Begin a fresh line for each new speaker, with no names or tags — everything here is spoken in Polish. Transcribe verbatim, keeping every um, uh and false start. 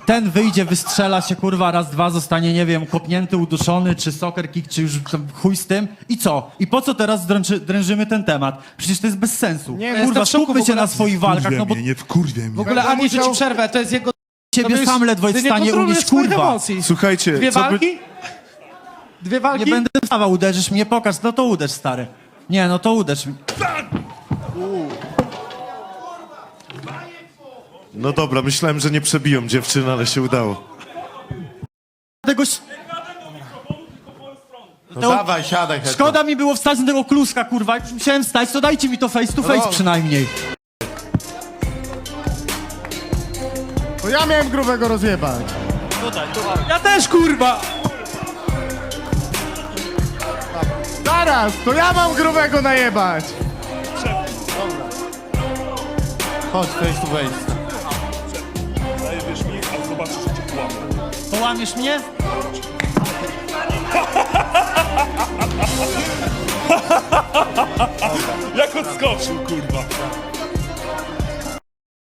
ten wyjdzie, wystrzela się, kurwa, raz, dwa, zostanie, nie wiem, kopnięty, uduszony, czy soccer kick, czy już tam chuj z tym. I co? I po co teraz dręczy, drężymy ten temat? Przecież to jest bez sensu.
Nie,
Kurwa,
jestem w szoku
skupmy
w
się
ogóle.
na swoich walkach,
Wkurwia
no bo
mnie, nie wkurwia mnie.
W ogóle
Będę
Ani, że
musiał-
ci przerwę, to jest jego...
ciebie
to
sam
jest-
ledwo jest
ty
w stanie
nie kontrolujesz
unieść,
swoich
kurwa.
emocji.
Słuchajcie,
Dwie
co by...
walki? Dwie walki?
Nie będę wstawał, uderzysz mnie, pokaż, no to uderz, stary. Nie, no to uderz mnie.
No dobra, myślałem, że nie przebiją dziewczyny, ale się udało.
Tego... ś-
No
To-
dawaj, siadaj. Hetman.
Szkoda mi było wstać na tego kluska, kurwa. Jak już musiałem wstać, to dajcie mi to face to face
No.
przynajmniej.
To ja miałem grubego rozjebać.
Ja też, kurwa!
Zaraz, to ja mam grubego najebać. Chodź, face to face.
Zajebiesz mi, a zobaczysz, że cię kłamę.
Połamiesz mnie?
Jak odskoczył, kurwa.